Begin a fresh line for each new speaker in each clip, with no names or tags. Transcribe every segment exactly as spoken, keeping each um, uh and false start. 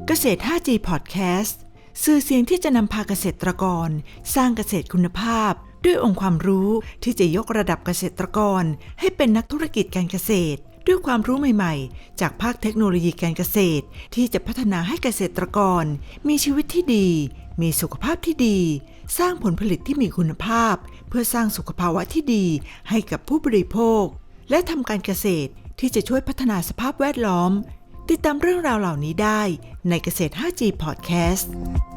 เกษตร ห้าจี Podcast สื่อเสียงที่จะนำพาเกษตรกรสร้างเกษตรคุณภาพด้วยองค์ความรู้ที่จะยกระดับเกษตรกรให้เป็นนักธุรกิจการเกษตรด้วยความรู้ใหม่ๆจากภาคเทคโนโลยีการเกษตรที่จะพัฒนาให้เกษตรกรมีชีวิตที่ดีมีสุขภาพที่ดีสร้างผลผลิตที่มีคุณภาพเพื่อสร้างสุขภาวะที่ดีให้กับผู้บริโภคและทำการเกษตรที่จะช่วยพัฒนาสภาพแวดล้อมติดตามเรื่องราวเหล่านี้ได้ในเกษตร ห้าจี Podcast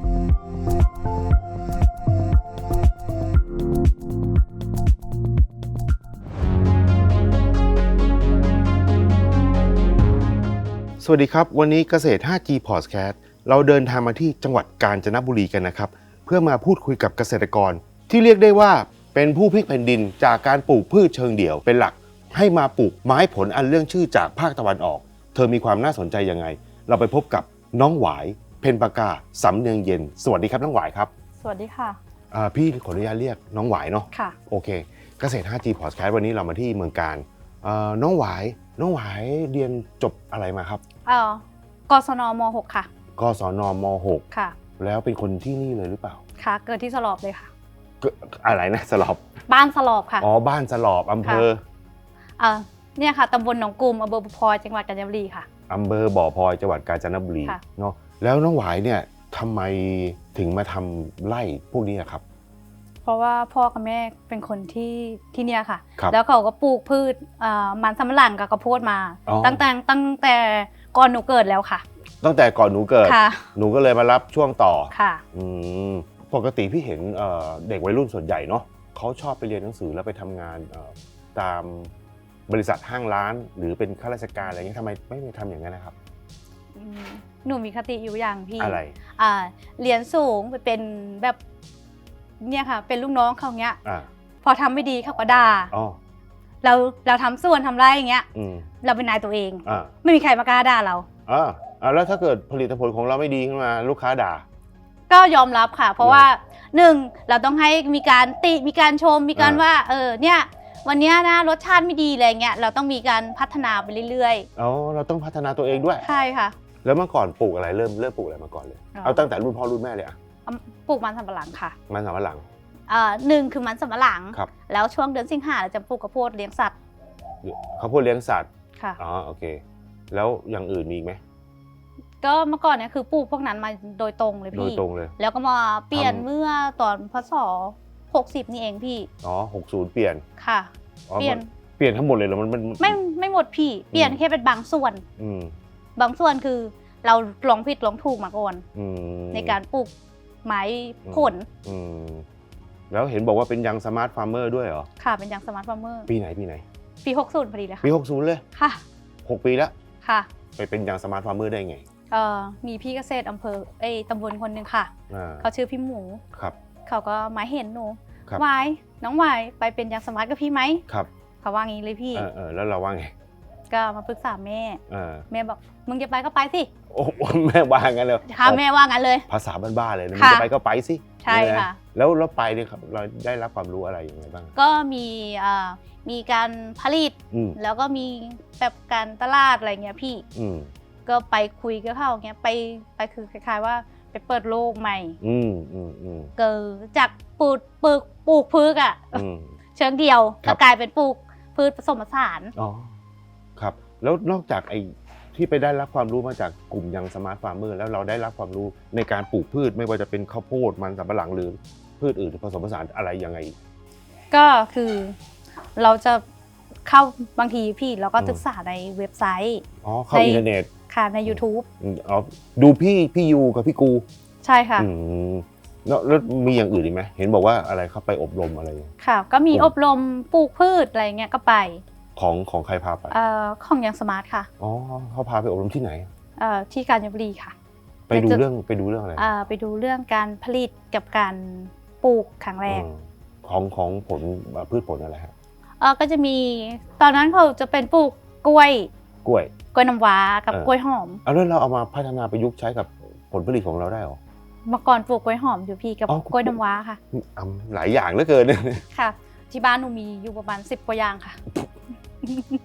สวัสดีครับวันนี้เกษตร ห้าจี Podcast เราเดินทางมาที่จังหวัดกาญจนบุรีกันนะครับเพื่อมาพูดคุยกับเกษตรกรที่เรียกได้ว่าเป็นผู้พลิกแผ่นดินจากการปลูกพืชเชิงเดี่ยวเป็นหลักให้มาปลูกไม้ผลอันเรื่องชื่อจากภาคตะวันออกเธอมีความน่าสนใจยังไงเราไปพบกับน้องหวายเพ็ญปากาสำเนียงเย็นสวัสดีครับน้องหวายครับ
สวัสดีค่ะ
อ่าพี่ขออนุญาตเรียกน้องหวายเนาะ
ค่ะ
โอเคเกษตร ห้าจี Podcast วันนี้เรามาที่เมืองกาญอ่าน้องหวายน้องหวายเรียนจบอะไรมาครับ
เอ่อกศนม หก ค่ะ
กศนม หก
ค่ะ
แล้วเป็นคนที่นี่เลยหรือเปล่า
ค่ะเกิดที่สลอบเลยค่ะ
อะไรนะสลอบ
บ้านสลอบค่ะ
อ๋อบ้านสลอบอำเภอ
เอ่อเนี่ยค่ะตำบลหนองกลุ่มอำเภอบ่อพลอยจังหวัดกาญจนบุรีค่ะ
อำเภอบ่อพลอยจังหวัดกาญจนบุรีเนาะแล้วน้องหวายเนี่ยทำไมถึงมาทำไร่พวกนี้ครับ
เพราะว่าพ่อกับแม่เป็นคนที่ที่เนี่ยค่ะ
ครับ
แล้วเขาก็ปลูกพืชมันสำปะหลังกับข้าวโพดมาตั้งแต่ตั้งแต่ก่อนหนูเกิดแล้วค่ะ
ตั้งแต่ก่อนหนูเกิดหนูก็เลยมารับช่วงต่อ
ค่ะ
อืมปกติพี่เห็นเด็กวัยรุ่นส่วนใหญ่เนาะเขาชอบไปเรียนหนังสือแล้วไปทำงานตามบริษัทห้างร้านหรือเป็นข้าราชการอะไรเงี้ยทำไมไม่ไปทำอย่างนั้นนะครับ
หนูมีคติอยู่อย่างพี่
อะไร
อ่าเรียนสูงไปเป็นแบบเนี่ยค่ะเป็นลูกน้องเขาเงี้ยพอทำไม่ดีเขาก็ด่าเราเราทำส่วนทำไรอย่างเงี้ยเราเป็นนายตัวเองไม่มีใครมากล้าด่าเรา
อ่าแล้วถ้าเกิดผลิตผลของเราไม่ดีขึ้นมาลูกค้าด่า
ก็ยอมรับค่ะเพราะว่าหนึ่งเราต้องให้มีการติมีการชมมีการว่าเออเนี่ยวันนี้นะรสชาติไม่ดีอะไรเงี้ยเราต้องมีการพัฒนาไปเรื่อย
ๆอ๋อเราต้องพัฒนาตัวเองด้วย
ใช่ค่ะ
แล้วเมื่อก่อนปลูกอะไรเริ่มเริ่มปลูกอะไรมาก่อนเลยเอาตั้งแต่รุ่นพ่อรุ่นแม่เลยอะ
ปลูกมันสำปะหลังค่ะ
มันสำปะหลัง
อ่าหนึ่งคือมันสำปะหลังแล้วช่วงเดือนสิงหาเราจะปลูกข้าวโพดเลี้ยงสัตว์
ข้าวโพดเลี้ยงสัตว์
ค่ะ
อ๋อโอเคแล้วอย่างอื่นมีไหม
ก็เมื่อก่อนเนี่ยคือปลูกพวกนั้นมาโดยตรงเลยพี่
โดยตรงเลย
แล้วก็มาเปลี่ยนเมื่อตอนพศหกสิบนี่เองพี่
อ๋อหกสิบเปลี่ยน
ค่ะ
เปลี่ยนเปลี่ยนทั้งหมดเลยเหรอมันมัน
ไม่ไม่หมดพี่เปลี่ยนแค่เป็นบางส่วนบางส่วนคือเราลองผิดลองถูกมาก่อนในการปลูกไม้ผล
แล้วเห็นบอกว่าเป็นยังสมาร์ทฟาร์มเมอร์ด้วยเหรอ
ค่ะเป็นยังสมาร์ทฟาร์มเมอร์
ปีไหนปีไหน
ปีหกสิบพอดีเลยค่ะ
ปีหกสิบเลย
ค่ะ
หกปีแล้ว
ค่ะ
ไปเป็นยังสมาร์ทฟาร์มเมอร์ได้ไง
เอ่อมีพี่เกษตรอำเภอเอ้ตำบลคนหนึ่งค่ะเขาชื่อพี่หมู
ครับ
เขาก็มาเห็นหนูวายน้องวายไปเป็นยังสมาร์ทกับพี่ไหม
ครับ
เขาว่างี้เลยพี่
เออแล้วเราว่าไง
ก็มาปรึกษาแม่แม่บอกมึงจะไปก็ไปสิ
โอ้แม่ว่างั้นเลย
ค่ะแม่ว่างั้นเลย
ภาษาบ้านๆเลยมึงจะไปก็ไปสิ
ใช่ค่ะ
แล้วเราไปเนี่ยครับเราได้รับความรู้อะไรอย่างไรบ้าง
ก็มีอ่ามีการผลิตแล้วก็มีแบบการตลาดอะไรเงี้ยพี่ก็ไปคุยกับเขาเงี้ยไปไปคือคล้ายๆว่าไปเปิดโลกใหม่เกิดจากปลูกปลูกปลูกพืชอ่ะเชิงเดียวก็กลายเป็นปลูกพืชผสมผสาน
อ๋อครับแล้วนอกจากไอ้ที่ไปได้รับความรู้มาจากกลุ่มยังสมาร์ทฟาร์มเมอร์แล้วเราได้รับความรู้ในการปลูกพืชไม่ว่าจะเป็นข้าวโพดมันสำปะหลังหรือพืชอื่นผสมผสานอะไรยังไง
ก็คือเราจะเข้าบางทีพี่เราก็ศึกษาในเว็บไซต์
อ๋อเข้าอินเทอร์เน็ต
ค่ะใน YouTube
อ๋อดูพี่พี่ยูกับพี่กู
ใช่ค่ะ
แล้วมีอย่างอื่นอีกไหมเห็นบอกว่าอะไรเข้าไปอบรมอะไร
ค่ะก็มีอบรมปลูกพืชอะไรเงี้ยก็ไป
ของของใครพาไป
เอ่อของยังสมาร์ทค่ะ
อ๋อเขาพาไปอบรมที่ไหน
เอ่อที่กาญจนบุรีค่ะ
ไปดูเรื่องไปดูเรื่องอะไร
อ่าไปดูเรื่องการผลิตกับการปลูกครั้งแรก
ของของผลพืชผลอะไรครับ
เออก็จะมีตอนนั้นเขาจะเป็นปลูกกล้วย
กล้วย
กล้วยน้ำว้ากับกล้วยหอม
เอาแล้วเราเอามาพัฒนาประยุกต์ใช้กับผลผลิตของเราได้หรอ
เมื่อก่อนปลูกกล้วยหอมอยู่พี่กับกล้วยน้ำว้าค่ะ
หลายอย่างเหลือเกิน
ค่ะที่บ้านหนูมีอยู่ประมาณสิบกว่าอย่างค่ะ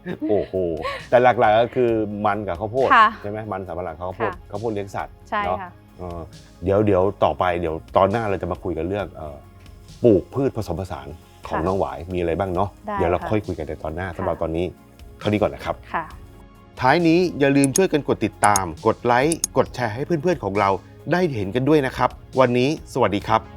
โอ้โหแต่หลักๆก็คือมันกับข้าวโพด
ค่ะ
ใช่ไหมมันสำปะหลังข้าวโพด
ค่ะ
ข้าวโพดเลี้ยงสัตว์
ใช่
เนาะ
ค่ะ
เออเดี๋ยวเดี๋ยวต่อไปเดี๋ยวตอนหน้าเราจะมาคุยกันเรื่องเอ่อปลูกพืชผสมผสานของ
ค่ะ
น้องหวายมีอะไรบ้างเนาะ
ได้
เดี๋ยวเรา
ค่ะ
ค่อยคุยกันในตอนหน้า
ค่ะ
สำหรับตอนนี้เท่านี้ก่อนนะครับ
ค่ะ
ท้ายนี้อย่าลืมช่วยกันกดติดตาม กดไลค์กดแชร์ให้เพื่อนๆของเราได้เห็นกันด้วยนะครับ วันนี้สวัสดีครับ